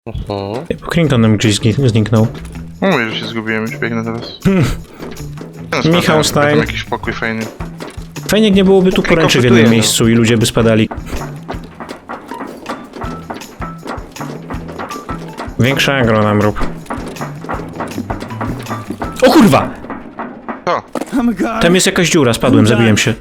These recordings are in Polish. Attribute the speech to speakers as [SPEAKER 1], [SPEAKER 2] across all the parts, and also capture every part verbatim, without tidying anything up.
[SPEAKER 1] Mhm.
[SPEAKER 2] Crington nam gdzieś znik- zniknął.
[SPEAKER 3] Mówię, że się zgubiłem, już biegnę teraz.
[SPEAKER 2] Hmm.
[SPEAKER 3] No,
[SPEAKER 2] Michał
[SPEAKER 3] spadłem,
[SPEAKER 2] Stein.
[SPEAKER 3] tam jakiś pokój fajny.
[SPEAKER 2] Fajnie, jak nie byłoby tu poręczy w jednym
[SPEAKER 1] kompletuje, no.
[SPEAKER 2] miejscu i ludzie by spadali. Większa agro nam rób. O kurwa!
[SPEAKER 3] Co?
[SPEAKER 2] Tam jest jakaś dziura, spadłem, zabiłem się.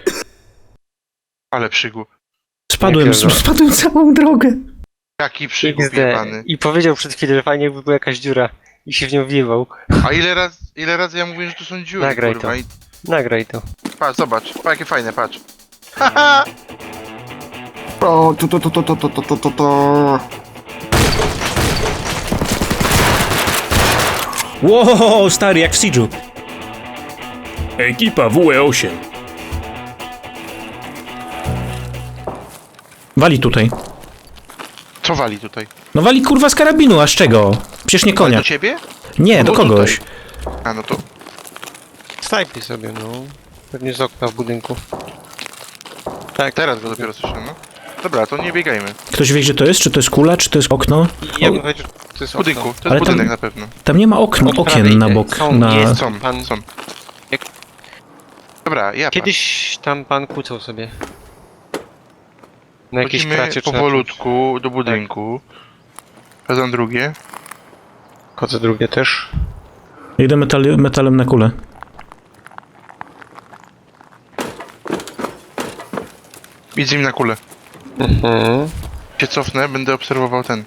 [SPEAKER 3] Ale przygód.
[SPEAKER 2] Spadłem,
[SPEAKER 1] Jakie za-
[SPEAKER 2] spadłem całą drogę.
[SPEAKER 3] Jaki przygód
[SPEAKER 1] X D.
[SPEAKER 3] jebany.
[SPEAKER 1] I powiedział przed chwilą, że fajnie jakby była jakaś dziura i się w nią wiewał.
[SPEAKER 3] A ile razy, ile razy ja mówię, że tu są dziury,
[SPEAKER 1] Nagraj
[SPEAKER 3] kurwa.
[SPEAKER 1] to.
[SPEAKER 3] I
[SPEAKER 1] Nagraj to.
[SPEAKER 3] patrz, zobacz, patrz jakie fajne, patrz. Haha!
[SPEAKER 4] O, to, to, to, to, to, to, to, to, to.
[SPEAKER 2] Wow, stary, jak w Siege'u. Ekipa W E osiem. Wali tutaj.
[SPEAKER 3] Co wali tutaj?
[SPEAKER 2] No wali kurwa z karabinu, a z czego? Przecież nie konia.
[SPEAKER 3] Do ciebie?
[SPEAKER 2] Nie, do
[SPEAKER 3] No
[SPEAKER 2] kogoś.
[SPEAKER 3] A no to...
[SPEAKER 1] Snajpij sobie, no. Pewnie z okna w budynku. Tak,
[SPEAKER 3] Teraz go dopiero słyszę, no. Dobra, to nie biegajmy.
[SPEAKER 2] Ktoś wie, gdzie to jest? Czy to jest kula, czy to jest okno?
[SPEAKER 1] Ja
[SPEAKER 2] O,
[SPEAKER 1] bym powiedział, że to jest
[SPEAKER 3] W budynku, to jest
[SPEAKER 2] Ale tam-
[SPEAKER 3] budynek na pewno.
[SPEAKER 2] tam nie ma okno,
[SPEAKER 1] Od
[SPEAKER 2] okien
[SPEAKER 1] prawej
[SPEAKER 2] na
[SPEAKER 1] te-
[SPEAKER 2] bok.
[SPEAKER 1] są,
[SPEAKER 2] Na...
[SPEAKER 1] jest.
[SPEAKER 3] Są,
[SPEAKER 1] Pan-
[SPEAKER 3] są.
[SPEAKER 1] Jak-
[SPEAKER 3] Dobra, ja
[SPEAKER 1] Kiedyś tam pan kłócał sobie. Na jakiejś
[SPEAKER 3] Chodzimy
[SPEAKER 1] kracie czy na czymś.
[SPEAKER 3] powolutku do budynku. Wezmę drugie.
[SPEAKER 1] Chodzę drugie też.
[SPEAKER 2] Idę metali- metalem na kulę.
[SPEAKER 3] Idź z nim na kulę.
[SPEAKER 1] Mhm.
[SPEAKER 3] Się cofnę, będę obserwował ten.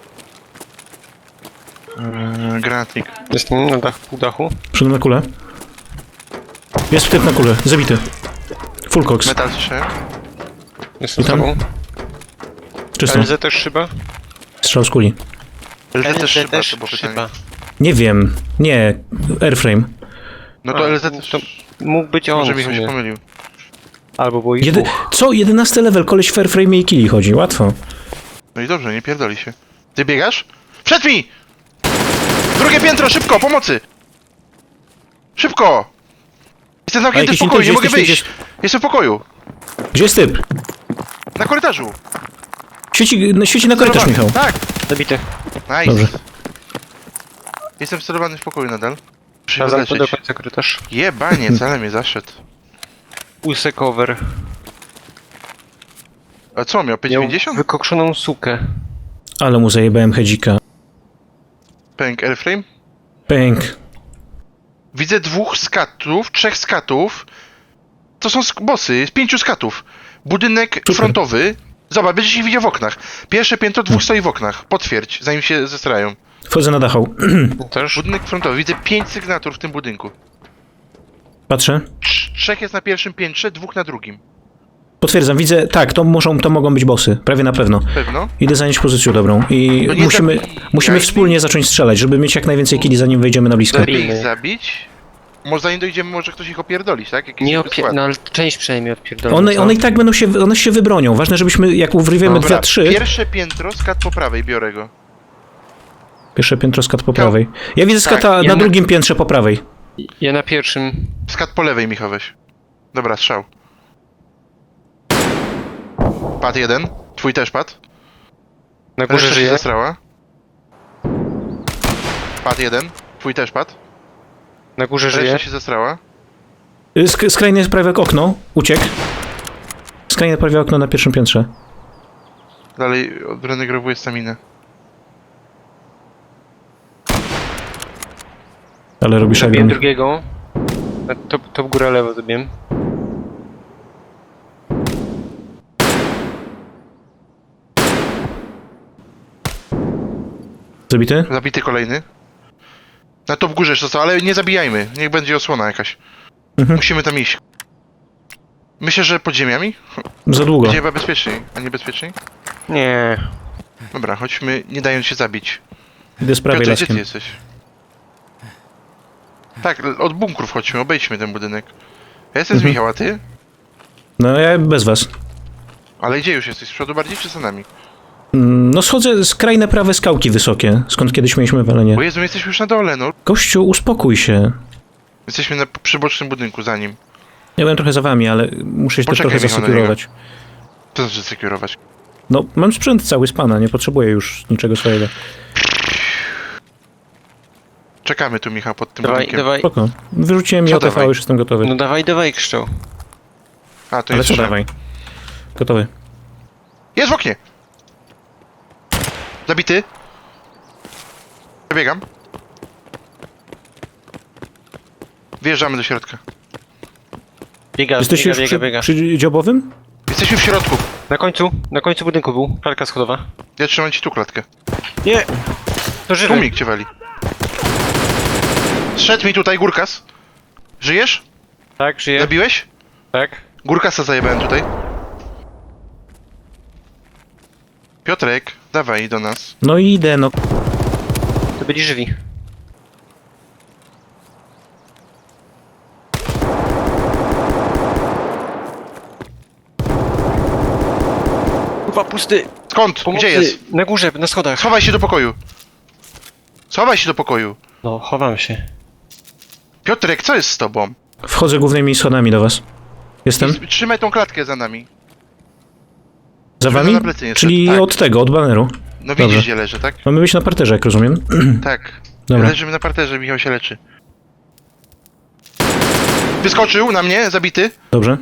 [SPEAKER 3] Yy, granatnik.
[SPEAKER 1] Jestem na dach, pół dachu.
[SPEAKER 2] Przyszedłem na kulę. Jest typ na kulę, zabity. Full cox.
[SPEAKER 3] Metal trzy.
[SPEAKER 1] Jestem
[SPEAKER 2] I
[SPEAKER 1] z
[SPEAKER 2] tam?
[SPEAKER 1] tobą.
[SPEAKER 2] Czysto.
[SPEAKER 1] L Z też szyba?
[SPEAKER 2] Strzał z kuli.
[SPEAKER 3] L Z też szyba,
[SPEAKER 1] też
[SPEAKER 3] to było pytanie.
[SPEAKER 1] szyba.
[SPEAKER 2] Nie wiem. Nie. Airframe.
[SPEAKER 3] No to
[SPEAKER 1] A,
[SPEAKER 3] L Z
[SPEAKER 1] to
[SPEAKER 3] też...
[SPEAKER 1] Mógł być on
[SPEAKER 3] Może
[SPEAKER 1] w
[SPEAKER 3] Michał się
[SPEAKER 1] sumie.
[SPEAKER 3] pomylił.
[SPEAKER 1] Albo było ich
[SPEAKER 2] Jedy...
[SPEAKER 1] dwóch.
[SPEAKER 2] Co? jedenasty level, koleś w airframe i killi chodzi. Łatwo.
[SPEAKER 3] No i dobrze, nie pierdoli się. Ty biegasz? Przed mi! Drugie piętro, szybko, pomocy! Szybko! Jestem zamknięty w
[SPEAKER 2] jakiś
[SPEAKER 3] pokoju, nie
[SPEAKER 2] interes
[SPEAKER 3] mogę
[SPEAKER 2] jesteś,
[SPEAKER 3] wyjść! Jestem w pokoju!
[SPEAKER 2] Gdzie jest typ?
[SPEAKER 3] Na korytarzu!
[SPEAKER 2] Świeci, no, świeci na korytarz, Michał.
[SPEAKER 3] Tak!
[SPEAKER 1] Zabity.
[SPEAKER 3] Nice!
[SPEAKER 2] Dobrze.
[SPEAKER 3] Jestem sterowany w pokoju nadal. Muszę się
[SPEAKER 1] Sprawdzam to do
[SPEAKER 3] leczyć.
[SPEAKER 1] końca korytarz.
[SPEAKER 3] Jebaniec, ale mnie zaszedł.
[SPEAKER 1] Łysy cover.
[SPEAKER 3] A co, miał
[SPEAKER 1] Miał
[SPEAKER 3] pięćdziesiąt?
[SPEAKER 1] wykokszoną sukę.
[SPEAKER 2] Ale mu zajebałem hedzika.
[SPEAKER 3] Pęk airframe?
[SPEAKER 2] Pęk.
[SPEAKER 3] Widzę dwóch skatów, trzech skatów. To są sk- bossy, jest pięciu skatów. Budynek
[SPEAKER 2] Super.
[SPEAKER 3] frontowy. Zobacz, będziesz ich widział w oknach. Pierwsze piętro, dwóch stoi w oknach. Potwierdź, zanim się zestrają.
[SPEAKER 2] Wchodzę na dachał.
[SPEAKER 1] Też.
[SPEAKER 3] Budynek frontowy, widzę pięć sygnatur w tym budynku.
[SPEAKER 2] Patrzę.
[SPEAKER 3] Trz- trzech jest na pierwszym piętrze, dwóch na drugim.
[SPEAKER 2] Potwierdzam, widzę. Tak, to, muszą, to mogą być bossy. Prawie na pewno.
[SPEAKER 3] Pewno?
[SPEAKER 2] Idę zająć pozycję dobrą. I
[SPEAKER 3] No nie
[SPEAKER 2] musimy,
[SPEAKER 3] zabijaj
[SPEAKER 2] musimy
[SPEAKER 3] mnie.
[SPEAKER 2] wspólnie zacząć strzelać, żeby mieć jak najwięcej killi, zanim wejdziemy na blisko.
[SPEAKER 3] Lepiej ich
[SPEAKER 1] Zabijmy.
[SPEAKER 3] zabić. Może zanim dojdziemy, może ktoś ich opierdolić, tak? Jakiś
[SPEAKER 1] Nie
[SPEAKER 3] super
[SPEAKER 1] opie...
[SPEAKER 3] skład.
[SPEAKER 1] No ale część przynajmniej odpierdolą.
[SPEAKER 2] One,
[SPEAKER 1] co?
[SPEAKER 2] one i tak będą się, one się wybronią. Ważne, żebyśmy, jak urwiemy
[SPEAKER 3] Dobra,
[SPEAKER 2] dwa, trzy...
[SPEAKER 3] pierwsze piętro, skat po prawej, biorę go.
[SPEAKER 2] Pierwsze piętro skat po prawej. Ja widzę
[SPEAKER 3] Tak,
[SPEAKER 2] skata
[SPEAKER 1] ja
[SPEAKER 2] na
[SPEAKER 1] na-
[SPEAKER 2] drugim piętrze po prawej.
[SPEAKER 1] Ja na pierwszym.
[SPEAKER 3] Skat po lewej, Michał, weź. Dobra, strzał. Pad jeden. Twój też pad.
[SPEAKER 1] Na górze
[SPEAKER 3] Reszta się
[SPEAKER 1] żyje.
[SPEAKER 3] zestrała. Pad jeden. Twój też pad.
[SPEAKER 1] Na górze żyje.
[SPEAKER 3] Reszta się zestrała.
[SPEAKER 2] Y, Sk skrajne prawie okno. Uciekł. Skrajne prawie okno na pierwszym piętrze.
[SPEAKER 3] Dalej odrenegowuje staminę.
[SPEAKER 2] Ale robi
[SPEAKER 1] Zabiłem
[SPEAKER 2] szagun.
[SPEAKER 1] drugiego. Na top, top góra lewo zabiłem.
[SPEAKER 2] Zabity?
[SPEAKER 3] Zabity kolejny. Na to w górze jeszcze został, ale nie zabijajmy. Niech będzie osłona jakaś.
[SPEAKER 2] Mhm.
[SPEAKER 3] Musimy tam iść. Myślę, że pod ziemiami?
[SPEAKER 2] Za długo.
[SPEAKER 3] Będzie chyba bezpieczniej, a nie bezpieczniej?
[SPEAKER 1] Nie.
[SPEAKER 3] Dobra, chodźmy, nie dając się zabić.
[SPEAKER 2] Idę z prawej
[SPEAKER 3] Piotr, gdzie ty
[SPEAKER 2] laskiem.
[SPEAKER 3] jesteś? Tak, od bunkrów chodźmy, obejdźmy ten budynek. Ja jestem
[SPEAKER 2] Mhm.
[SPEAKER 3] z Michała, ty?
[SPEAKER 2] No ja bez was.
[SPEAKER 3] Ale gdzie już jesteś? Z przodu bardziej czy za nami?
[SPEAKER 2] Mm, No schodzę z krajne prawe skałki wysokie, skąd kiedyś mieliśmy walenie.
[SPEAKER 3] Bo Jezu, my jesteśmy już na dole, no.
[SPEAKER 2] Gościu, uspokój się.
[SPEAKER 3] Jesteśmy na przybocznym budynku za nim.
[SPEAKER 2] Ja byłem trochę za wami, ale muszę się też
[SPEAKER 3] Poczekaj,
[SPEAKER 2] trochę
[SPEAKER 3] Michał, na
[SPEAKER 2] zasekurować.
[SPEAKER 3] Co znaczy sekurować?
[SPEAKER 2] No, mam sprzęt cały z pana, nie potrzebuję już niczego swojego.
[SPEAKER 3] Czekamy tu, Michał, pod tym
[SPEAKER 1] Dawaj,
[SPEAKER 3] budynkiem.
[SPEAKER 1] dawaj.
[SPEAKER 2] Spoko. Wyrzuciłem
[SPEAKER 3] Co
[SPEAKER 2] J T V,
[SPEAKER 3] dawaj?
[SPEAKER 2] już jestem gotowy.
[SPEAKER 1] No dawaj, dawaj, krzczał.
[SPEAKER 3] A, to
[SPEAKER 2] Ale
[SPEAKER 3] jest
[SPEAKER 2] co
[SPEAKER 3] strzał.
[SPEAKER 2] dawaj? Gotowy.
[SPEAKER 3] Jest w oknie! Zabity. Przebiegam. Wjeżdżamy do środka.
[SPEAKER 1] Biega,
[SPEAKER 2] Jesteś
[SPEAKER 1] biega,
[SPEAKER 2] już
[SPEAKER 1] biega,
[SPEAKER 2] przy,
[SPEAKER 1] biega.
[SPEAKER 2] przy dziobowym?
[SPEAKER 3] Jesteśmy w środku.
[SPEAKER 1] Na końcu, na końcu budynku był. Klarka schodowa.
[SPEAKER 3] Ja trzymam ci tu klatkę.
[SPEAKER 1] Nie! To żywy.
[SPEAKER 3] Tłumik cię wali. Zszedł mi tutaj Górkas. Żyjesz?
[SPEAKER 1] Tak, żyje.
[SPEAKER 3] Zabiłeś?
[SPEAKER 1] Tak.
[SPEAKER 3] Górkasa zajebałem tutaj. Piotrek, dawaj do nas.
[SPEAKER 2] No i idę, no.
[SPEAKER 1] To byli żywi. Kurwa, pusty.
[SPEAKER 3] Skąd?
[SPEAKER 1] Pomocy.
[SPEAKER 3] Gdzie jest?
[SPEAKER 1] Na górze, na schodach.
[SPEAKER 3] Schowaj się do pokoju. Schowaj się do pokoju.
[SPEAKER 1] No, chowam się.
[SPEAKER 3] Piotrek, co jest z tobą?
[SPEAKER 2] Wchodzę głównymi schodami do was. Jestem?
[SPEAKER 3] I trzymaj tą klatkę za nami.
[SPEAKER 2] Za
[SPEAKER 3] żeby
[SPEAKER 2] wami?
[SPEAKER 3] na plecy nie
[SPEAKER 2] Czyli
[SPEAKER 3] szedł, tak.
[SPEAKER 2] od tego, od baneru.
[SPEAKER 3] No widzisz,
[SPEAKER 2] Dobra.
[SPEAKER 3] gdzie leży, tak?
[SPEAKER 2] Mamy być na parterze, jak rozumiem.
[SPEAKER 3] Tak.
[SPEAKER 2] Dobra.
[SPEAKER 3] Leżymy na parterze, Michał się leczy. Wyskoczył na mnie, zabity.
[SPEAKER 2] Dobrze.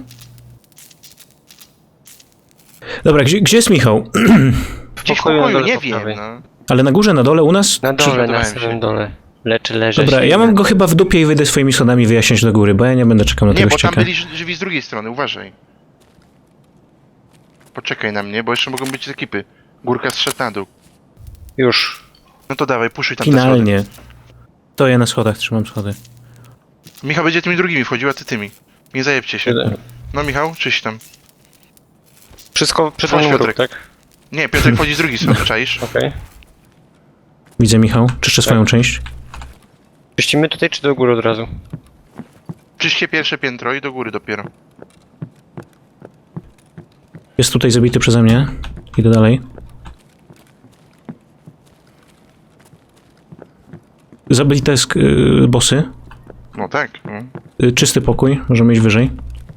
[SPEAKER 2] Dobra, gdzie, gdzie jest Michał?
[SPEAKER 3] Gdzieś w
[SPEAKER 1] pokoju na
[SPEAKER 3] pokoju,
[SPEAKER 1] dole
[SPEAKER 3] nie
[SPEAKER 1] po
[SPEAKER 3] wiem,
[SPEAKER 1] prawej.
[SPEAKER 3] no.
[SPEAKER 2] Ale na górze, na dole, u nas?
[SPEAKER 1] Na dole, na
[SPEAKER 3] Przygotowałem się.
[SPEAKER 1] samym dole. Leczy, leży.
[SPEAKER 2] Dobra, ja mam go chyba w dupie i wyjdę swoimi schodami wyjaśniać do góry, bo ja nie będę czekał na
[SPEAKER 3] Nie,
[SPEAKER 2] tego
[SPEAKER 3] bo tam
[SPEAKER 2] ścieka.
[SPEAKER 3] byli ży- żywi z drugiej strony, uważaj. Poczekaj na mnie, bo jeszcze mogą być ekipy. Górka zszedł na dół.
[SPEAKER 1] Już.
[SPEAKER 3] No to dawaj, puszuj tam te schody.
[SPEAKER 2] Finalnie. To ja na schodach trzymam schody.
[SPEAKER 3] Michał będzie tymi drugimi wchodził, a ty tymi. Nie zajebcie się.
[SPEAKER 1] Tyle.
[SPEAKER 3] No Michał, czyś tam.
[SPEAKER 1] Wszystko przed
[SPEAKER 3] Chodź,
[SPEAKER 1] wami
[SPEAKER 3] Piotrek.
[SPEAKER 1] tak?
[SPEAKER 3] Nie, Piotrek wchodzi z drugiej strony, czaisz?
[SPEAKER 1] Okej.
[SPEAKER 2] Widzę, Michał. Czyszczę swoją część.
[SPEAKER 1] Czyścimy tutaj, czy do góry od razu?
[SPEAKER 3] Czyście pierwsze piętro i do góry dopiero.
[SPEAKER 2] Jest tutaj zabity przeze mnie. Idę dalej. Zabite sk- y, bossy.
[SPEAKER 3] No tak. No.
[SPEAKER 2] Y, czysty pokój. Możemy iść wyżej.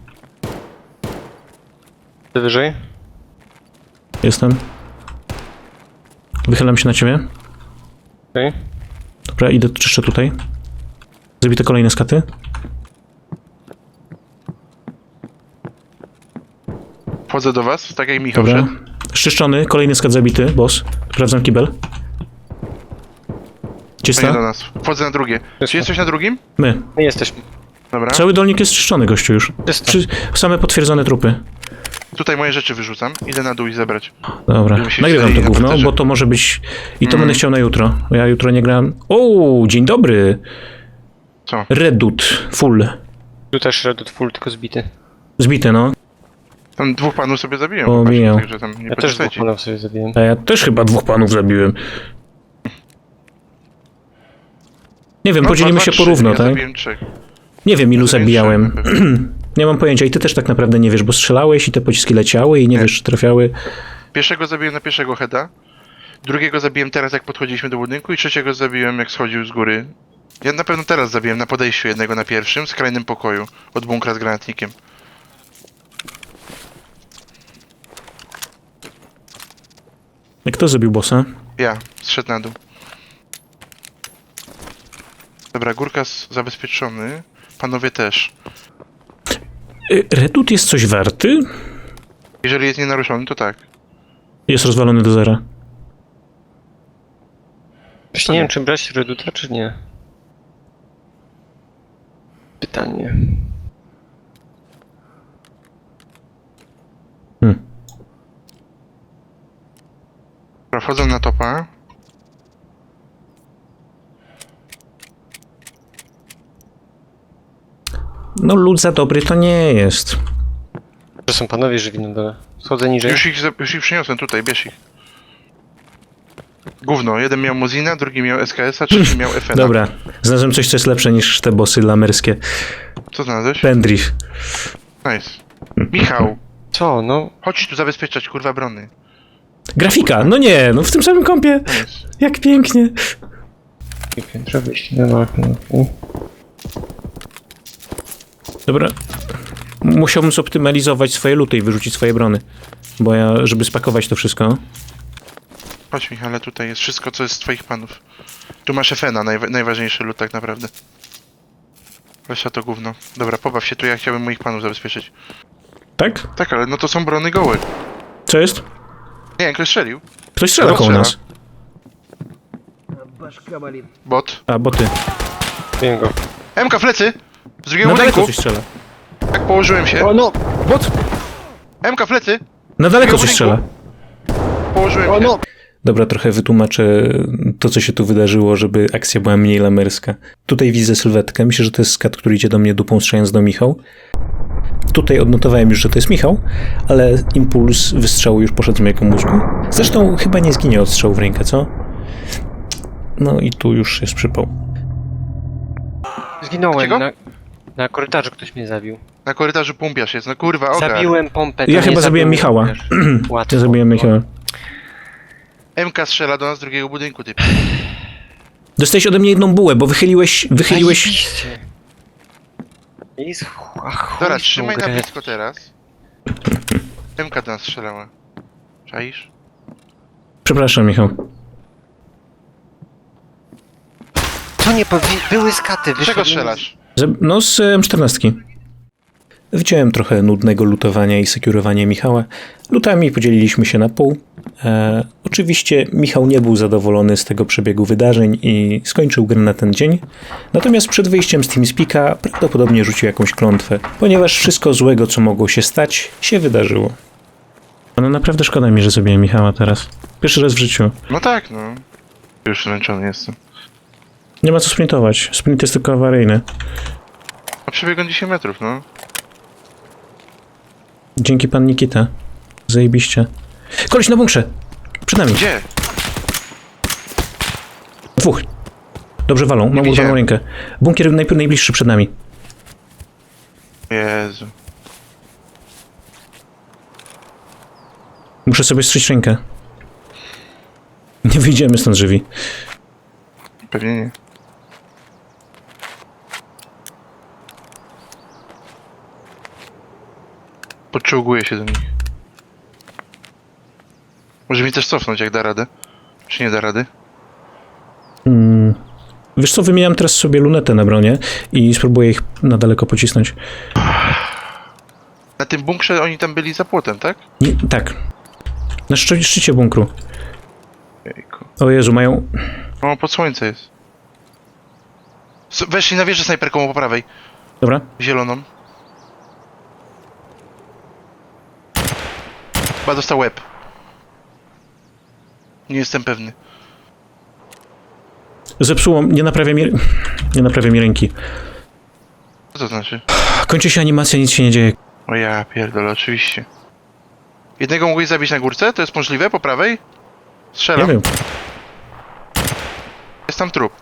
[SPEAKER 1] Ty wyżej?
[SPEAKER 2] Jestem. Wychylam się na ciebie.
[SPEAKER 1] Okej.
[SPEAKER 2] Dobra, idę czyszczę tutaj. Zabite kolejne skaty.
[SPEAKER 3] Wchodzę do was, tak jak Michał
[SPEAKER 2] Dobra.
[SPEAKER 3] wszedł.
[SPEAKER 2] Szczyszczony, kolejny skat zabity, boss. Sprawdzam kibel.
[SPEAKER 3] To nie do
[SPEAKER 2] Czysta?
[SPEAKER 3] nas. Wchodzę na drugie. Czy jesteś na drugim?
[SPEAKER 2] My.
[SPEAKER 1] My jesteśmy.
[SPEAKER 3] Dobra.
[SPEAKER 2] Cały dolnik jest czyszczony, gościu już.
[SPEAKER 1] Czysto.
[SPEAKER 2] Czy same potwierdzone trupy.
[SPEAKER 3] Tutaj moje rzeczy wyrzucam. Idę na dół i zebrać.
[SPEAKER 2] Dobra,
[SPEAKER 3] Żeby się
[SPEAKER 2] nagrywam to
[SPEAKER 3] wstali na
[SPEAKER 2] gówno,
[SPEAKER 3] parterze.
[SPEAKER 2] bo to może być... I to
[SPEAKER 3] Mm.
[SPEAKER 2] będę chciał na jutro. Bo ja jutro nie gram... O, dzień dobry!
[SPEAKER 3] Co?
[SPEAKER 2] Redut, full.
[SPEAKER 1] Tu też Redut full, tylko zbity.
[SPEAKER 2] Zbite, no.
[SPEAKER 3] Tam dwóch panów sobie zabiłem.
[SPEAKER 2] O,
[SPEAKER 3] właśnie,
[SPEAKER 2] mijał.
[SPEAKER 3] Także tam nie
[SPEAKER 1] Ja też dwóch
[SPEAKER 3] poczekajcie.
[SPEAKER 1] panów sobie zabiłem.
[SPEAKER 2] A ja też chyba dwóch panów zabiłem. Nie wiem,
[SPEAKER 3] No,
[SPEAKER 2] podzielimy
[SPEAKER 3] dwa,
[SPEAKER 2] się
[SPEAKER 3] dwa,
[SPEAKER 2] porówno,
[SPEAKER 3] trzy. Ja
[SPEAKER 2] tak?
[SPEAKER 3] zabiłem trzech.
[SPEAKER 2] Nie wiem, ilu
[SPEAKER 3] zabiłem
[SPEAKER 2] zabijałem.
[SPEAKER 3] trzech, pewnie.
[SPEAKER 2] Nie mam pojęcia i ty też tak naprawdę nie wiesz, bo strzelałeś i te pociski leciały i nie,
[SPEAKER 3] Nie.
[SPEAKER 2] wiesz, czy trafiały.
[SPEAKER 3] Pierwszego zabiłem na pierwszego heada. Drugiego zabiłem teraz, jak podchodziliśmy do budynku. I trzeciego zabiłem, jak schodził z góry. Ja na pewno teraz zabiłem na podejściu jednego na pierwszym, skrajnym pokoju. Od bunkra z granatnikiem.
[SPEAKER 2] Kto zabił bossa?
[SPEAKER 3] Ja, zszedł na dół. Dobra, Górkas zabezpieczony. Panowie też.
[SPEAKER 2] Y, Redut jest coś warty?
[SPEAKER 3] Jeżeli jest nienaruszony, to tak.
[SPEAKER 2] Jest rozwalony do zera.
[SPEAKER 1] Właśnie nie wiem, czy brać Reduta, czy nie. Pytanie.
[SPEAKER 2] Hmm.
[SPEAKER 3] Dobra, wchodzę na topa.
[SPEAKER 2] No lud za dobry to nie jest.
[SPEAKER 1] To są panowie żywi na dole. Schodzę niżej.
[SPEAKER 3] Już ich, za- już ich przyniosłem tutaj, bierz ich. Gówno, jeden miał Mozina, drugi miał S K S-a, trzeci miał F N a.
[SPEAKER 2] Dobra, znalazłem coś, co jest lepsze niż te bossy lamerskie.
[SPEAKER 3] Co znalazłeś?
[SPEAKER 2] Pendrive.
[SPEAKER 3] Nice. Michał,
[SPEAKER 1] Co, no?
[SPEAKER 3] chodź tu zabezpieczać, kurwa, brony.
[SPEAKER 2] Grafika, no nie, no w tym samym kąpie.
[SPEAKER 3] Nice.
[SPEAKER 2] Jak pięknie.
[SPEAKER 1] Piętro wyjść na balkon.
[SPEAKER 2] Dobra. Musiałbym zoptymalizować swoje luty i wyrzucić swoje brony. bo ja, żeby spakować to wszystko.
[SPEAKER 3] Chodź Michale, tutaj jest wszystko, co jest z twoich panów. Tu masz F N a, najwa najważniejszy lód tak naprawdę. Weź to gówno. Dobra, pobaw się tu, ja chciałbym moich panów zabezpieczyć.
[SPEAKER 2] Tak?
[SPEAKER 3] Tak, ale no to są brony gołe.
[SPEAKER 2] Co jest?
[SPEAKER 3] Nie, ktoś strzelił.
[SPEAKER 2] Ktoś strzela
[SPEAKER 3] Kto
[SPEAKER 2] koło
[SPEAKER 3] strzela?
[SPEAKER 2] nas.
[SPEAKER 3] Bot.
[SPEAKER 2] A, boty.
[SPEAKER 1] Wiem go.
[SPEAKER 3] M K w plecy! Z drugiego
[SPEAKER 2] Na daleko
[SPEAKER 3] budynku!
[SPEAKER 2] coś strzela.
[SPEAKER 3] Tak położyłem się.
[SPEAKER 1] O no!
[SPEAKER 2] Bot!
[SPEAKER 3] M K w plecy!
[SPEAKER 2] Na daleko coś
[SPEAKER 3] budynku.
[SPEAKER 2] strzela.
[SPEAKER 3] Położyłem
[SPEAKER 1] O
[SPEAKER 3] się.
[SPEAKER 1] no!
[SPEAKER 2] Dobra, trochę wytłumaczę to, co się tu wydarzyło, żeby akcja była mniej lamerska. Tutaj widzę sylwetkę. Myślę, że to jest skat, który idzie do mnie dupą strzelając do Michał. Tutaj odnotowałem już, że to jest Michał, ale impuls wystrzału już poszedł z mojego mózgu. Zresztą chyba nie zginie od strzału w rękę, co? No i tu już jest przypał.
[SPEAKER 1] Zginąłem
[SPEAKER 3] Dlaczego?
[SPEAKER 1] na, na korytarzu, ktoś mnie zabił.
[SPEAKER 3] Na korytarzu pumpiarz jest, no kurwa, ogar.
[SPEAKER 1] Zabiłem pompę. to
[SPEAKER 2] Ja
[SPEAKER 1] nie
[SPEAKER 2] chyba zabiłem
[SPEAKER 1] zabił,
[SPEAKER 2] Michała.
[SPEAKER 1] wiesz, Łatwo.
[SPEAKER 2] Ja zabiłem Michała.
[SPEAKER 3] M K strzela do nas z drugiego budynku, typ.
[SPEAKER 2] Dostałeś ode mnie jedną bułę, bo wychyliłeś... wychyliłeś...
[SPEAKER 1] Zajebiście. Jest... Ach, chuj
[SPEAKER 3] Dobra,
[SPEAKER 1] w tą
[SPEAKER 3] trzymaj na
[SPEAKER 1] grę.
[SPEAKER 3] blisko teraz. M K do nas strzelała. Czaisz?
[SPEAKER 2] Przepraszam, Michał.
[SPEAKER 1] Co nie powi... Były skaty,
[SPEAKER 3] Z czego
[SPEAKER 1] wyszedłem-
[SPEAKER 3] strzelasz?
[SPEAKER 2] Ze- No, z em czternastki. Widziałem trochę nudnego lutowania i sekurowania Michała. Lutami podzieliliśmy się na pół. E, oczywiście Michał nie był zadowolony z tego przebiegu wydarzeń i skończył grę na ten dzień. Natomiast przed wyjściem z TeamSpeaka prawdopodobnie rzucił jakąś klątwę, ponieważ wszystko złego, co mogło się stać, się wydarzyło. No naprawdę szkoda mi, że zabiłem Michała teraz. Pierwszy raz w życiu.
[SPEAKER 3] No tak, no. Już zmęczony jestem.
[SPEAKER 2] Nie ma co sprintować. Sprint jest tylko awaryjny.
[SPEAKER 3] A przebiegłem dziesięć metrów, no.
[SPEAKER 2] Dzięki pan Nikita. Zajebiście. Koleś na bunkrze! Przed nami.
[SPEAKER 3] Gdzie?
[SPEAKER 2] Dwóch. Dobrze walą. Mam urwaną
[SPEAKER 3] widziałem.
[SPEAKER 2] rękę. Bunkier najpierw najbliższy przed nami.
[SPEAKER 3] Jezu.
[SPEAKER 2] Muszę sobie strzeć rękę. Nie wyjdziemy stąd żywi.
[SPEAKER 3] Pewnie nie. Podczołguję się do nich. Może mi też cofnąć, jak da radę. Czy nie da rady?
[SPEAKER 2] Mm. Wiesz co, wymieniam teraz sobie lunetę na bronię i spróbuję ich na daleko pocisnąć.
[SPEAKER 3] Na tym bunkrze oni tam byli za płotem, tak?
[SPEAKER 2] Nie, tak. Na szczy szczycie bunkru.
[SPEAKER 3] Jejku.
[SPEAKER 2] O Jezu, mają...
[SPEAKER 3] O, pod słońce jest. S weszli na wieżę snajperką po prawej.
[SPEAKER 2] Dobra.
[SPEAKER 3] Zieloną. Chyba dostał łeb. Nie jestem pewny.
[SPEAKER 2] Zepsuło... Nie naprawia mi... Nie naprawia mi ręki.
[SPEAKER 3] Co to znaczy?
[SPEAKER 2] Kończy się animacja, nic się nie dzieje.
[SPEAKER 3] O ja pierdolę, oczywiście. Jednego mogłeś zabić na górce? To jest możliwe? Po prawej?
[SPEAKER 2] Nie
[SPEAKER 3] Strzelam.
[SPEAKER 2] wiem.
[SPEAKER 3] Jest tam trup.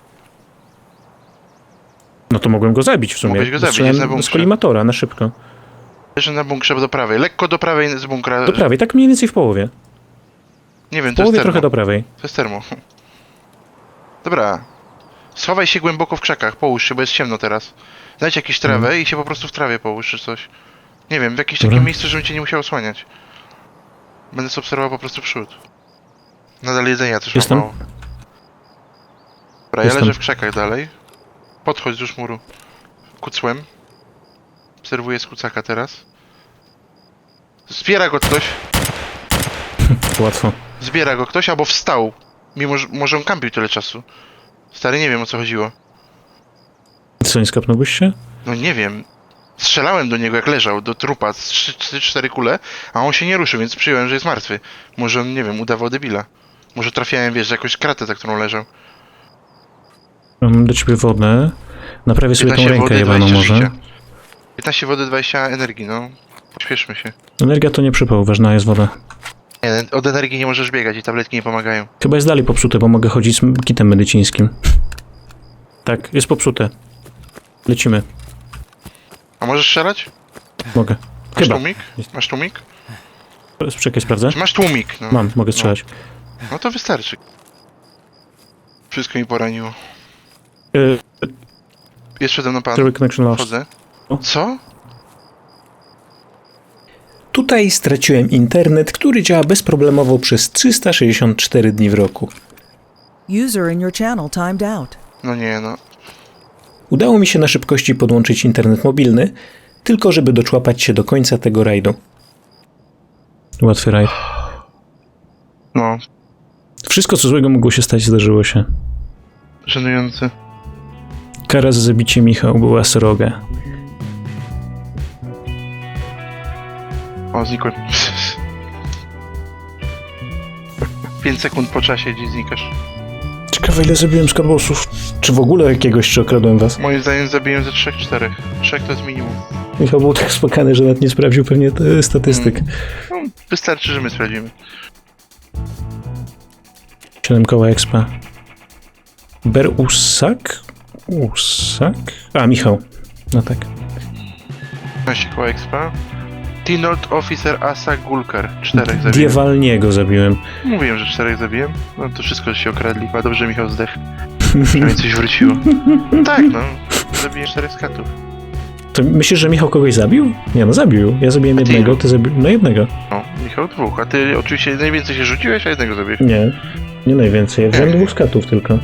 [SPEAKER 2] No to mogłem go zabić w sumie.
[SPEAKER 3] Mogłeś go zabić,
[SPEAKER 2] Strzelałem
[SPEAKER 3] jest na
[SPEAKER 2] z
[SPEAKER 3] bunkrze.
[SPEAKER 2] kolimatora, na szybko.
[SPEAKER 3] Leży na bunkrze do prawej. Lekko do prawej z bunkra.
[SPEAKER 2] Do prawej, tak mniej więcej w połowie.
[SPEAKER 3] Nie wiem,
[SPEAKER 2] W
[SPEAKER 3] to jest
[SPEAKER 2] połowie
[SPEAKER 3] termo.
[SPEAKER 2] trochę do prawej.
[SPEAKER 3] To jest termo. Dobra. Schowaj się głęboko w krzakach, połóż się, bo jest ciemno teraz. Znajdź jakieś trawę
[SPEAKER 2] Mhm.
[SPEAKER 3] i się po prostu w trawie połóż czy coś. Nie wiem, w jakieś
[SPEAKER 2] Dobra.
[SPEAKER 3] takie miejsce, żebym cię nie musiał osłaniać. Będę sobie obserwował po prostu przód. Nadal jedzenia też
[SPEAKER 2] Jestem.
[SPEAKER 3] mam mało. Dobra, ja
[SPEAKER 2] Jestem.
[SPEAKER 3] leżę w krzakach dalej. Podchodź wzdłuż muru. Kucłem. Obserwuję z kucaka teraz. Zbiera go ktoś.
[SPEAKER 2] Łatwo.
[SPEAKER 3] Zbiera go ktoś albo wstał. Mimo, że może on kampił tyle czasu. Stary, nie wiem o co chodziło.
[SPEAKER 2] Co, nie skapnąłbyś się?
[SPEAKER 3] No nie wiem. Strzelałem do niego jak leżał, do trupa, z trzy cztery kule, a on się nie ruszył, więc przyjąłem, że jest martwy. Może on, nie wiem, udawał debila. Może trafiałem, wiesz, jakąś kratę, za którą leżał.
[SPEAKER 2] Mam do ciebie wodę. Naprawię sobie tą
[SPEAKER 3] piętnaście
[SPEAKER 2] rękę
[SPEAKER 3] wody,
[SPEAKER 2] jebaną
[SPEAKER 3] dwadzieścia
[SPEAKER 2] może.
[SPEAKER 3] życia. piętnaście wody, dwadzieścia energii, no. Śpieszmy się.
[SPEAKER 2] Energia to nie przypał, ważna jest woda.
[SPEAKER 3] Nie, od energii nie możesz biegać i tabletki nie pomagają.
[SPEAKER 2] Chyba jest dalej popsute, bo mogę chodzić z kitem medycińskim. Tak, jest popsute. Lecimy.
[SPEAKER 3] A możesz strzelać?
[SPEAKER 2] Mogę.
[SPEAKER 3] Masz
[SPEAKER 2] Chyba.
[SPEAKER 3] tłumik? Masz tłumik?
[SPEAKER 2] Czekaj, sprawdzę.
[SPEAKER 3] Masz tłumik, no.
[SPEAKER 2] Mam, mogę strzelać.
[SPEAKER 3] No to wystarczy. Wszystko mi poraniło.
[SPEAKER 2] Yy,
[SPEAKER 3] Jest przede mną pan.
[SPEAKER 2] Zero connection lost.
[SPEAKER 3] Wchodzę.
[SPEAKER 2] O.
[SPEAKER 3] Co?
[SPEAKER 2] Tu Tutaj straciłem internet, który działa bezproblemowo przez trzysta sześćdziesiąt cztery dni w roku.
[SPEAKER 5] User in your channel timed out.
[SPEAKER 3] No nie, no.
[SPEAKER 2] Udało mi się na szybkości podłączyć internet mobilny, tylko żeby doczłapać się do końca tego rajdu. Łatwy rajd.
[SPEAKER 3] No,
[SPEAKER 2] Wszystko, co złego mogło się stać, zdarzyło się.
[SPEAKER 3] żenujący.
[SPEAKER 2] Kara za zabicie Michał była sroga.
[SPEAKER 3] O, znikłem. pięć sekund po czasie gdzieś znikasz.
[SPEAKER 2] Ciekawe, ile zabiłem skarbosów. Czy w ogóle jakiegoś, czy okradłem was?
[SPEAKER 3] Moim zdaniem zabiłem ze trzech, czterech. Trzech to jest minimum.
[SPEAKER 2] Michał był tak spokojny, że nawet nie sprawdził pewnie e, statystyk.
[SPEAKER 3] No, wystarczy, że my sprawdzimy.
[SPEAKER 2] siedem koła expa. Ber Usak? Usak? A, Michał. No tak.
[SPEAKER 3] piętnaście koła expa. T-Nord Officer Asa Gulkar. Czterech zabiłem.
[SPEAKER 2] Diewalniego zabiłem.
[SPEAKER 3] Mówiłem, że czterech zabiłem. No to wszystko się okradli. A dobrze Michał zdechł. Przynajmniej coś wróciło. Tak, no. Zabiję czterech skatów.
[SPEAKER 2] To myślisz, że Michał kogoś zabił? Nie, no zabił. Ja zabiłem
[SPEAKER 3] A ty
[SPEAKER 2] jednego,
[SPEAKER 3] ilu?
[SPEAKER 2] ty zabiłeś... No jednego.
[SPEAKER 3] No, Michał dwóch. A ty oczywiście najwięcej się rzuciłeś, a jednego zabiłeś.
[SPEAKER 2] Nie. Nie najwięcej. Ja wziąłem
[SPEAKER 3] Nie.
[SPEAKER 2] dwóch skatów tylko.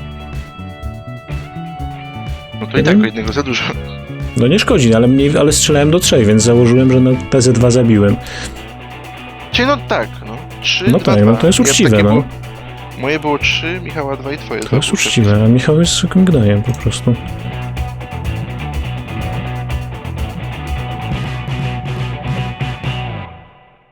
[SPEAKER 3] No to i tak o jednego za dużo.
[SPEAKER 2] No nie szkodzi, ale, mniej, ale strzelałem do trzech, więc założyłem, że na P Z dwa zabiłem.
[SPEAKER 3] Czyli no tak, no. Trzy,
[SPEAKER 2] No
[SPEAKER 3] dwa,
[SPEAKER 2] tak,
[SPEAKER 3] dwa.
[SPEAKER 2] no to jest
[SPEAKER 3] Ja
[SPEAKER 2] uczciwe,
[SPEAKER 3] takie
[SPEAKER 2] no.
[SPEAKER 3] Było, moje było trzy, Michała dwa i twoje.
[SPEAKER 2] To jest uczciwe, a Michał jest zwykłym gnojem po prostu.